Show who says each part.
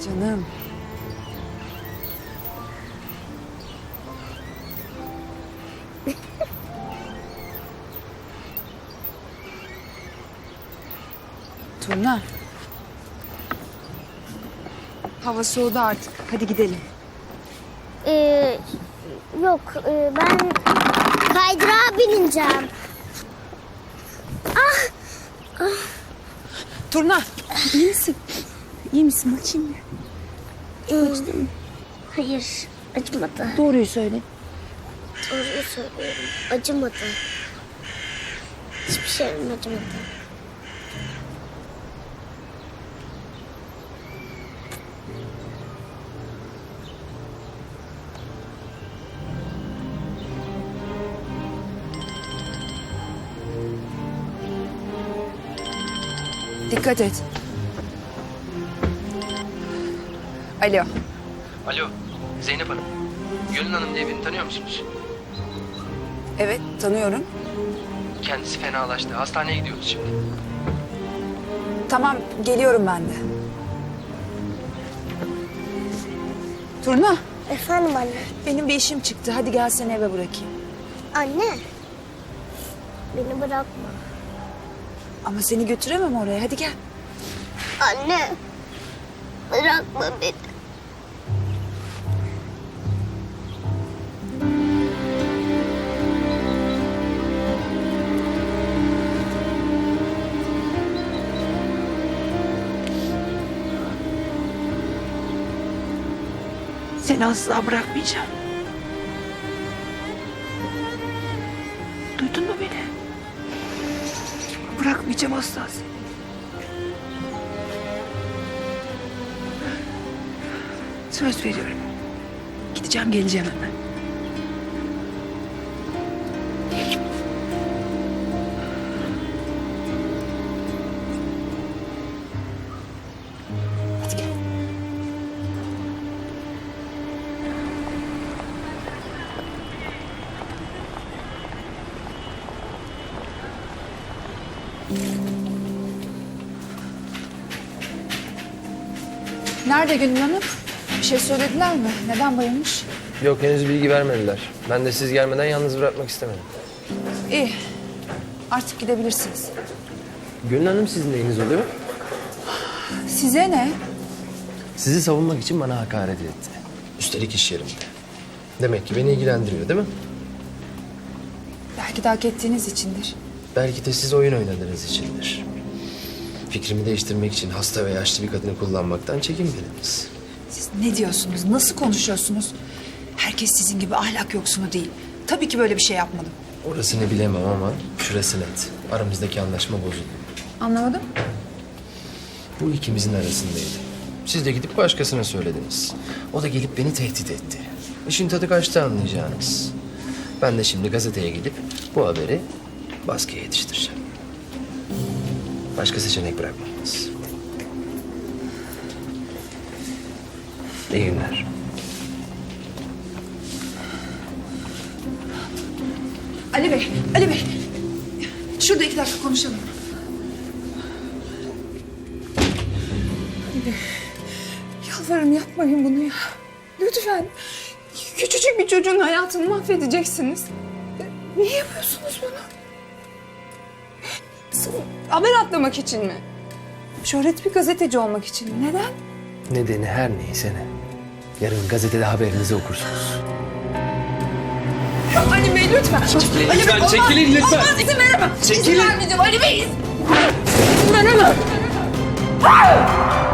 Speaker 1: Canım. Turna. Hava soğudu artık. Hadi gidelim.
Speaker 2: Yok, ben kaydırağa bineceğim.
Speaker 1: Turna, iyi misin? İyi misin? Bakayım mı?
Speaker 2: Acıdı mı? Hayır, acımadı.
Speaker 1: Doğruyu söyle.
Speaker 2: Doğruyu söylüyorum, acımadı. Hiçbir şeyim acımadı.
Speaker 1: Dikkat et. Alo.
Speaker 3: Alo, Zeynep Hanım. Gönül Hanım diye birini tanıyor musunuz?
Speaker 1: Evet, tanıyorum.
Speaker 3: Kendisi fenalaştı. Hastaneye gidiyoruz şimdi.
Speaker 1: Tamam, geliyorum ben de. Turna,
Speaker 2: Efendim anne.
Speaker 1: benim bir işim çıktı. Hadi gel seni eve bırakayım.
Speaker 2: Anne, beni bırakma.
Speaker 1: Ama seni götüremem oraya. Hadi gel.
Speaker 2: Anne, bırakma beni.
Speaker 1: Seni asla bırakmayacağım. Duydun mu beni? Bırakmayacağım asla seni. Söz veriyorum. Gideceğim, geleceğim hemen. Hadi gel. Nerede Gönül Hanım? Bir şey söylediler mi? Neden bayılmış?
Speaker 3: Yok, henüz bilgi vermediler. Ben de siz gelmeden yalnız bırakmak istemedim.
Speaker 1: İyi. Artık gidebilirsiniz.
Speaker 3: Gönül Hanım sizin neyiniz oluyor?
Speaker 1: Size ne?
Speaker 3: Sizi savunmak için bana hakaret etti. Üstelik iş yerimde. Demek ki beni ilgilendiriyor, değil mi?
Speaker 1: Belki de hak ettiğiniz içindir.
Speaker 3: Belki de siz oyun oynadığınız içindir. Fikrimi değiştirmek için hasta ve yaşlı bir kadını kullanmaktan çekinmediniz.
Speaker 1: Siz ne diyorsunuz? Nasıl konuşuyorsunuz? Herkes sizin gibi ahlak yoksunu değil. Tabii ki böyle bir şey yapmadım.
Speaker 3: Orasını bilemem ama şurası net. Aramızdaki anlaşma bozuldu.
Speaker 1: Anlamadım.
Speaker 3: Bu ikimizin arasındaydı. Siz de gidip başkasına söylediniz. O da gelip beni tehdit etti. İşin tadı kaçtı anlayacağınız. Ben de şimdi gazeteye gidip bu haberi baskıya yetiştireceğim. Başka seçenek bırakmadınız. İyi günler.
Speaker 1: Ali Bey, Ali Bey. Şurada 2 dakika konuşalım. Ali Bey, yalvarırım yapmayın bunu ya. Lütfen. Küçücük bir çocuğun hayatını mahvedeceksiniz. Niye yapıyorsunuz bunu? Sırf haber atlamak için mi? Şöhret bir gazeteci olmak için mi? Neden?
Speaker 3: Nedeni her neyse ne. Yarın gazetede haberinizi okursunuz.
Speaker 1: Ali Bey lütfen.
Speaker 3: Çekilin
Speaker 1: Ali
Speaker 3: lütfen,
Speaker 1: Bey,
Speaker 3: çekilin
Speaker 1: olmaz,
Speaker 3: lütfen.
Speaker 1: Olmaz, izin veremem.
Speaker 3: Çekilin.
Speaker 1: İzin vermeyeceğim Ali Bey. İzin veremem.